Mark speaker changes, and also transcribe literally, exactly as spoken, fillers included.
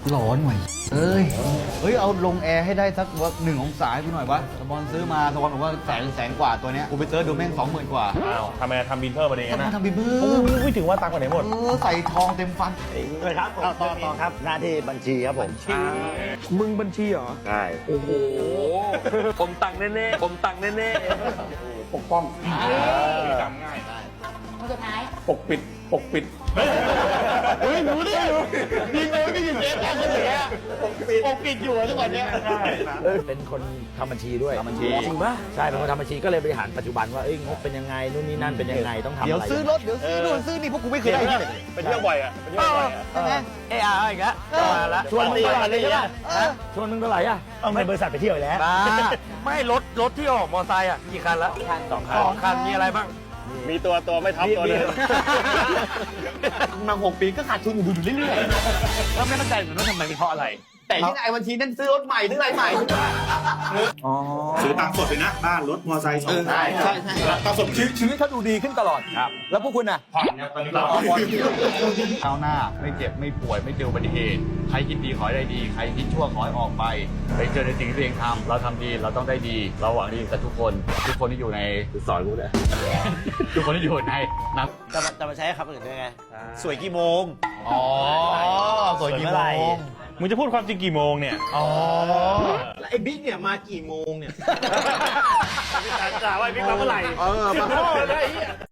Speaker 1: ร้อนหน่อยเอ้ยเฮ้ยเอาลงแอร์ให้ได้สักว่าหนึ่งองศาให้กูหน่อยวะสปอนซื้อมาสปอนบอกว่าแสนแสนกว่าตัวเนี้ยกูไปเซิร์ชดูแม่งสองหมื่นกว่า
Speaker 2: อ้าวทำไมทำบินเพิ่มมาเอง
Speaker 1: ทำไม
Speaker 2: นะ
Speaker 1: ทำบิบเบิ้
Speaker 2: โอ้
Speaker 1: ล
Speaker 2: ยถึงว่าตังค์ไปไหนหมด
Speaker 1: เออใส่ทองเต็มฟัน
Speaker 3: เลยครับต่อต่อต่อครับหน้าที่บัญชีครับผม
Speaker 4: มึงบัญชีเหรอ
Speaker 3: ใช่
Speaker 4: โอ้โห ผมตังค์แน่ๆ ผมตังค์แน่
Speaker 2: ปกป้องจำง่าย
Speaker 5: คนสุดท้าย
Speaker 2: ปกปิด ปกปิด
Speaker 1: เฮ้ยรู้ดิยิงเลยไม่ยิงเจ๊ทำกันอย่างเงี้ยปกปิดอยู่ทุกวันเนี้ย
Speaker 3: เป็นคนทำบัญชีด้วย
Speaker 1: ทำบัญชี
Speaker 3: จริงปะใช่เป็นคนทำบัญชีก็เลยบริหารปัจจุบันว่าเอ้ยงบเป็นยังไงนู่นนี่นั่นเป็นยังไงต้องทำอะไร
Speaker 1: เดี๋ยวซื้อรถเดี๋ยวซื้อนู่นซื้อนี่พวกกูไม่เคยได้ที่ไหน
Speaker 2: ไปเที่ยวบ่อยอ่ะไปเที่ยวบ่อยอ่ะ
Speaker 1: ใช่ไหม
Speaker 3: เออเอาอีกแล้วมาละชวนมึงตลอดเลยใช่ปะฮะชวนมึงเท่าไหร่อ่ะเอาในบริษัทไปเที่ยวแล้ว
Speaker 4: ๆบ้าไม่รถรถที่ออกมอไซค์อ่ะกี่คันละสองคันสองคันมีอะไรบ้าง
Speaker 2: มีตัวตัวไม่ท็อปตัวนึง
Speaker 1: มาหกปีก็ขาดทุนอยู่เรื่อย
Speaker 4: แล้วไม่เข้าใจเหมือนว่าทำไมเพราะอะไร
Speaker 1: ๆแต่ที่ไอ้บัญชีนั่นซื้อรถใหม่ซื้ออะไรใหม่
Speaker 6: ซื้อตังค์สดเลยนะ บ้าน รถ มอเตอร์ไซค์สอง
Speaker 1: ใช่ใช่ใช่
Speaker 6: ตังค์สดชีวิตชีวิตเขาดูดีขึ้นตลอดครับ แล้วพวกคุณน่ะ
Speaker 2: ผ่อนเนี่ยตอนนี้เรา
Speaker 1: ก้าวหน้าไม่เจ็บไม่ป่วยไม่เจออุบัติเหตุใครคิดดีขอให้ได้ดีใครคิดชั่วขอให้ออกไปไปเจอในสิ่งที่ตัวเองทำเราทำดีเราต้องได้ดี เราหวังดีกับทุกคน ทุกคนที่อยู่ในสอนกูเลย ทุกคนที่อยู่ในนับ
Speaker 3: จะมาจะมาใช้คำอื่นได้ไงสวยกี่โมง
Speaker 1: อ๋อสวยกี่โมง
Speaker 2: มึงจะพูดความจริงกี่โมงเนี่ย
Speaker 1: อ๋อ
Speaker 4: ไอ้บิ๊กเนี่ยมากี่โมงเนี่ย
Speaker 2: จ่าว่าพี่มาเมื่อไหร่
Speaker 1: เออมา